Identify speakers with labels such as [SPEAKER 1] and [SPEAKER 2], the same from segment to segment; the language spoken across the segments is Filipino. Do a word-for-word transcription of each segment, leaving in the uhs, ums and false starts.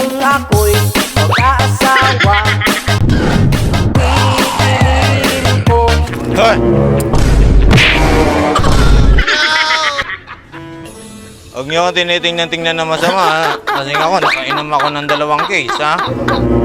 [SPEAKER 1] kung ako'y mag-aasawa, pipiliin ko.
[SPEAKER 2] Hoy! Huwag niyo ako tinitingnan-tingnan na masama, ha? Kasi ako, nakainom ako ng dalawang case, ha?
[SPEAKER 1] Ano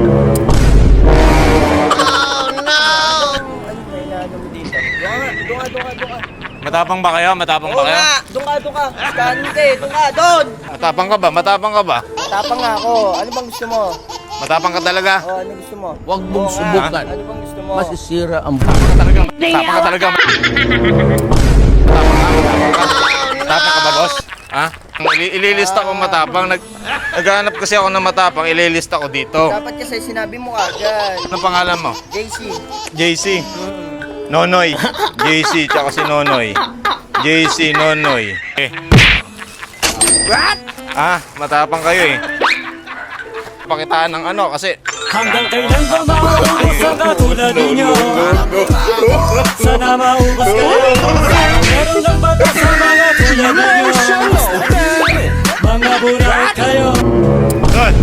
[SPEAKER 1] ba inaano mo dito? Doon ka, doon ka, doon ka, doon ka.
[SPEAKER 2] Matapang ba kayo? Matapang ba
[SPEAKER 1] Oo
[SPEAKER 2] kayo?
[SPEAKER 1] nga, doon ka, doon ka. Skante, doon ka, doon!
[SPEAKER 2] Matapang ka ba? Matapang ka ba?
[SPEAKER 1] Tapang nga ako. Ano bang gusto mo?
[SPEAKER 2] Matapang ka talaga?
[SPEAKER 1] Oh, ano gusto mo?
[SPEAKER 3] Huwag mong
[SPEAKER 1] Oo nga.
[SPEAKER 3] subukan.
[SPEAKER 1] Ano bang gusto mo?
[SPEAKER 3] Masisira ang
[SPEAKER 2] Matapang ka talaga. Matapang ka talaga. Matapang ka, matapang ka. Matapang ka ba, boss? Ha? Ili- ililista ko matapang. Nag Naghahanap kasi ako ng matapang. Ililista ko dito.
[SPEAKER 1] Dapat kasi sinabi mo agad.
[SPEAKER 2] Ano pangalan mo?
[SPEAKER 1] J C.
[SPEAKER 2] J C. Nonoy. J C, tsaka si Nonoy. J C, Nonoy. Eh.
[SPEAKER 1] What?
[SPEAKER 2] Ah, matapang kayo eh. Pakitaan ng ano kasi
[SPEAKER 4] Hanggang kailan ba maubos ang katulad ninyo? Sana maubos kayo. Meron lang batas sa mga tulad ninyo. Mga buray kayo.
[SPEAKER 2] Good.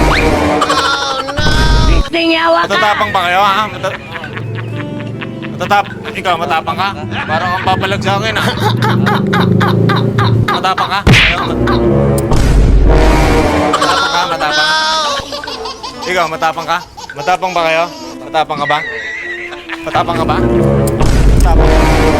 [SPEAKER 5] Tingawa ka!
[SPEAKER 2] Matatapang ba kayo ha? Mata Matatap Ikaw matapang ka? Parang kang papalag sa akin ha? Matapang ka? Ayaw, mat matapang ka? Matapang? Ikaw matapang ka? Matapang ba kayo? Matapang ka ba? Matapang ka ba? Matapang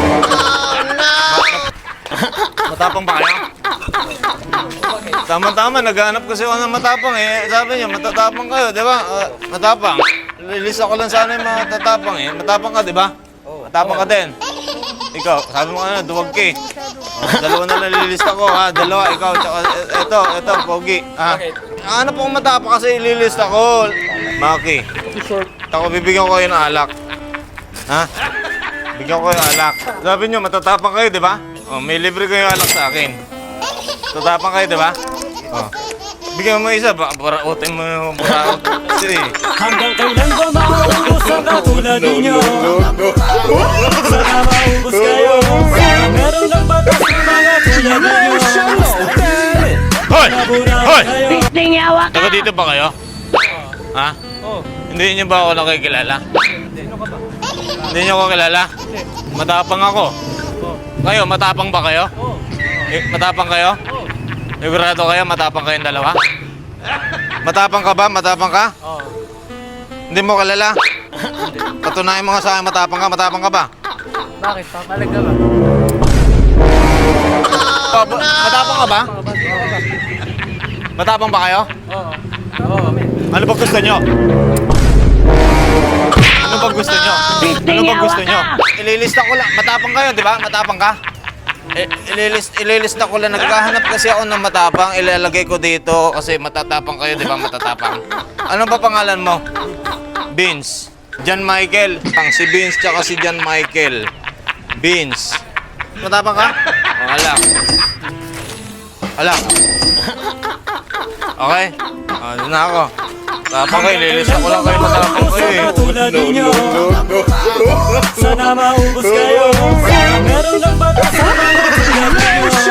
[SPEAKER 2] Matapang ba kayo? Tama-tama, naghahanap kasi ako ng matapang eh. Sabi niya, matatapang kayo, di ba? Uh, matapang. Lilista ko lang sana yung matatapang eh. Matapang ka, di ba? Matapang ka din. Ikaw, sabi mo ano, duwag ka eh. Oh, dalawa na nalilista ko ha, dalawa, ikaw, tsaka ito, ito, pogi. Ha? Ano pong matapang kasi ililista ko? Maki. Ako, bibigyan ko kayo ng alak. Ha? Bigyan ko kayo ng alak. Sabi niyo, matatapang kayo, di ba? Oh, may libre kayo alak sa akin. Tatapang kayo, di ba? Oh. Bigyan mo isa, baka parautin mo yung paraut. Sige.
[SPEAKER 4] Hanggang kailan ba maubos ang katulad ninyo? Sana maubos kayo. Meron lang batas sa mga tulad ninyo.
[SPEAKER 2] Hoy! Hoy!
[SPEAKER 5] Tingawa ka!
[SPEAKER 2] Taga dito ba kayo? Ha?
[SPEAKER 1] Oh.
[SPEAKER 2] Hindi niyo ba ako nakikilala?
[SPEAKER 1] Sino ka ba?
[SPEAKER 2] Hindi niyo ako kilala? Matapang ako. Kayo, matapang ba kayo?
[SPEAKER 1] Oh.
[SPEAKER 2] Eh, matapang kayo? Sigurado kayo, matapang kayong dalawa? Matapang ka ba? Matapang ka?
[SPEAKER 1] Oh.
[SPEAKER 2] Hindi mo kilala? Patunayan mo nga sa akin, matapang ka, matapang ka ba?
[SPEAKER 1] Bakit? Papalag ka ba?
[SPEAKER 2] Oh, ba- matapang ka ba? Matapang ba kayo?
[SPEAKER 1] Oo. Oo.
[SPEAKER 2] Ano ba gusto nyo? Ano ba gusto nyo? Ano ba gusto nyo? Ililista ko lang. Matapang kayo, di ba? Matapang ka? I- ililist, ililista ko lang. Naghahanap kasi ako ng matapang. Ilalagay ko dito kasi matatapang kayo, di ba? Matatapang. Ano ba pangalan mo? Vince. John Michael. Ang si Vince tsaka si John Michael. Vince. Matapang ka? O, alak. Alak. Okay? O, doon na ako. Tapang kayo, ililista ko lang kayo matapang kayo eh.
[SPEAKER 4] Katulad ninyo. Sana maubos kayo. Meron lang batas sa mga tulad ninyo.